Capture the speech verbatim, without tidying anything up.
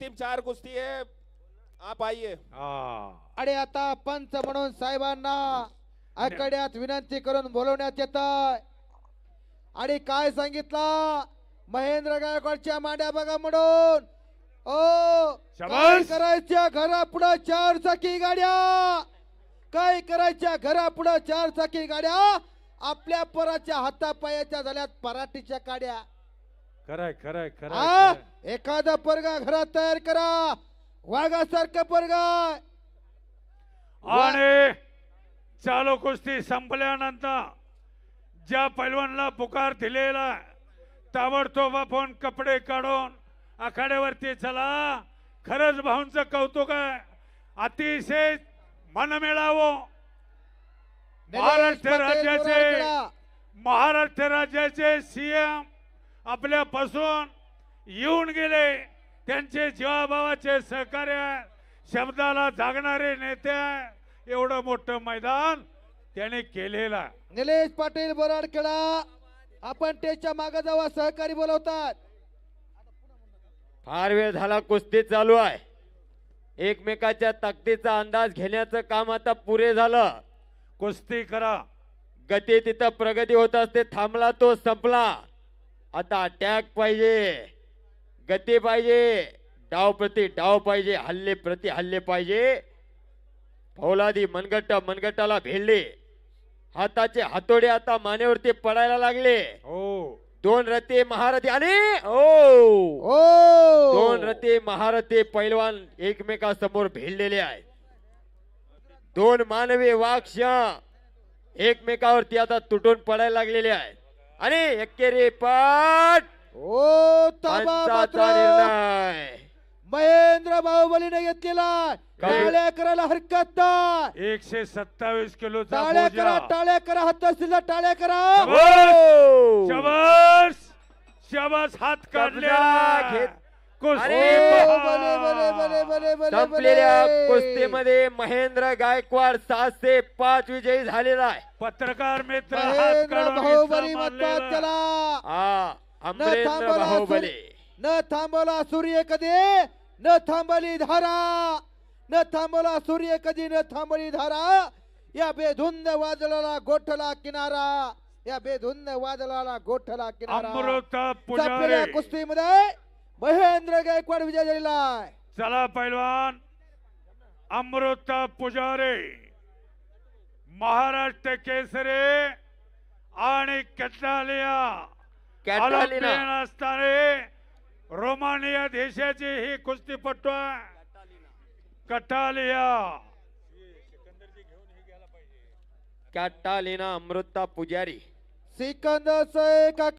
Team चार कुस्ती है, आप आइए। आणि आता पंच म्हणून साहेबांना आकड्यात विनंती करून बोलवण्यात येत आणि काय सांगितलं महेंद्र गायकवाडच्या मांड्या बघा म्हणून ओ काय शाबास. करायच्या घरा पुढे चार चाकी गाड्या काय करायच्या घरा पुढे चार चाकी गाड्या आपल्या पराच्या हातापायाच्या झाल्यात पराठीच्या काड्या खरंय खरंय हा खरंय एखादा परगा घरात तयार करा वाघासारखं परगा आणि चालू कुस्ती संपल्यानंतर ज्या पैलवानला पुकार दिलेला ताबडतोब आपण कपडे काढून आखाड्यावरती चला. खरंच भाऊंचं कौतुक आहे. अतिशय मन मिळावं. महाराष्ट्र राज्याचे महाराष्ट्र राज्याचे सीएम आपल्यापासून येऊन गेले. त्यांचे जीवाभावाचे सहकार्य शब्दाला जागणारे नेते एवढं मोठं मैदान त्याने केलेला. निलेश पाटील बोराडखेडा आपण त्याच्या मागे जावा सहकारी बोलवतात. फार वेळ झाला कुस्ती चालू आहे. एकमेकाच्या ताकदीचा अंदाज घेण्याचं काम आता पुरे झालं. कुस्ती करा. गती तिथं प्रगती होत असते. थांबला तो संपला. आता अटॅक पाहिजे, गती पाहिजे, डाव प्रति डाव पाहिजे, हल्ले प्रति हल्ले पाहिजे. फौलादी मनगट्ट मनगट्टाला भिडले. हाताचे हातोडे आता मानेवरती पडायला लागले. हो दोन रथे महारथी आणि ओ ओ दोन रथे महारथी पैलवान एकमेकासमोर भिडलेले आहेत. दोन मानवी वाक्ष एकमेकावरती आता तुटून पडायला लागलेले आहेत आणि एकेरी पाठ ओ पंचाचा तबा निर्णय. महेंद्र बाहुबलीने घेतलेला काय? टाळ्या करायला हरकत नाही. एकशे सत्तावीस किलोचा टाळ्या करा बोजा. टाळ्या करा हात असतील टाळ्या करा. ओ! शाबास शाबास हात कब्जा काढलेला. घेत. कुस्ती अरे, ओ, पहा. बले, बले, बले, बले, बले, संपलेल्या बले. कुस्तीमध्ये महेंद्र गायकवाड सहाशे पाच विजयी झालेला आहे. पत्रकार मित्र हात महेंद्र काढून बाहुबली इथं म्हणतात मानलेला. त्याला हा न अमरेंद्र थांबवला बाहुबली. सूर्य- न थांबवला सूर्य कधी न थांबली धारा न थांबवला सूर्य कधी न थांबली धारा. या बेधुंद वादळाला गोठला किनारा या बेधुंद वादळाला गोठला किनारा. अमृत संपलेल्या पुजारी. कुस्तीमध्ये महेंद्र गायकवाड विजय झालेला आहे. चला पैलवान अमृत पुजारी महाराष्ट्र केसरी आणि कॅटालिया कॅटालिना ऑलिम्पियन असणारे रोमानिया देशाची ही कुस्तीपटू आहे. कटालिया कॅटालिना अमृता पुजारी. सिकंदर शेख